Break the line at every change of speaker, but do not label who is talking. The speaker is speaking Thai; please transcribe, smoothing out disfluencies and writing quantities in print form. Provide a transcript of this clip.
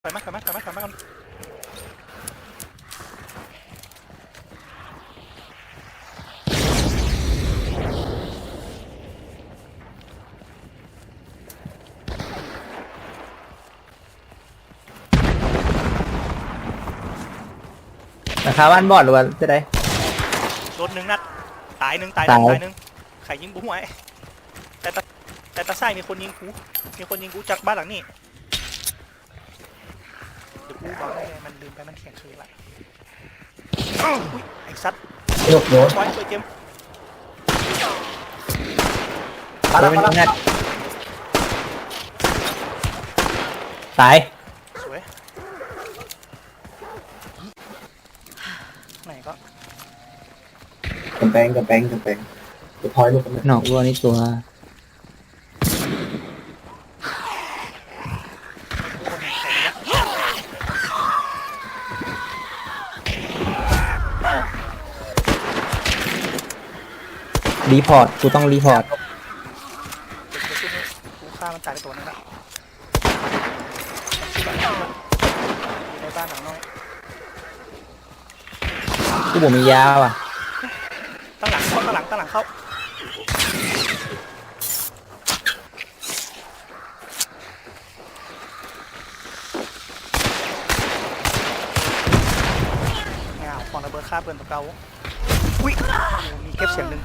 ไปไหมก่อน
ราคาบ้านบอดหรือว่าจะได้
โดนหนึ่งนัดตายหนึ่งใครยิงบุ้งไว้แต่ตาไส้มีคนยิงกูจากบ้านหลังนี้เดี๋ยวกูบอกให้มันลืมไปมันเขียนชื่ออะไรอุ้ยไอ้สัตว์
ยกโยน
บอยช่วยเจม
โดนเป็นงัดตาย
สวยไหนก็
กำแพงจะพอยลูกกัน
หนอกวัวนี่ตัวรีพอร์ตกูต้องรีพอร์ต
กูฆ่ามันตายไปตัวนึงละในบ้านหลังน้อย
กูบอกมียาว่ะ
ตั้งหลังเข้าเงาของระเบิดฆ่าเปิดตัวเก่าอุ้ยมีเก็บเสียงหนึ่ง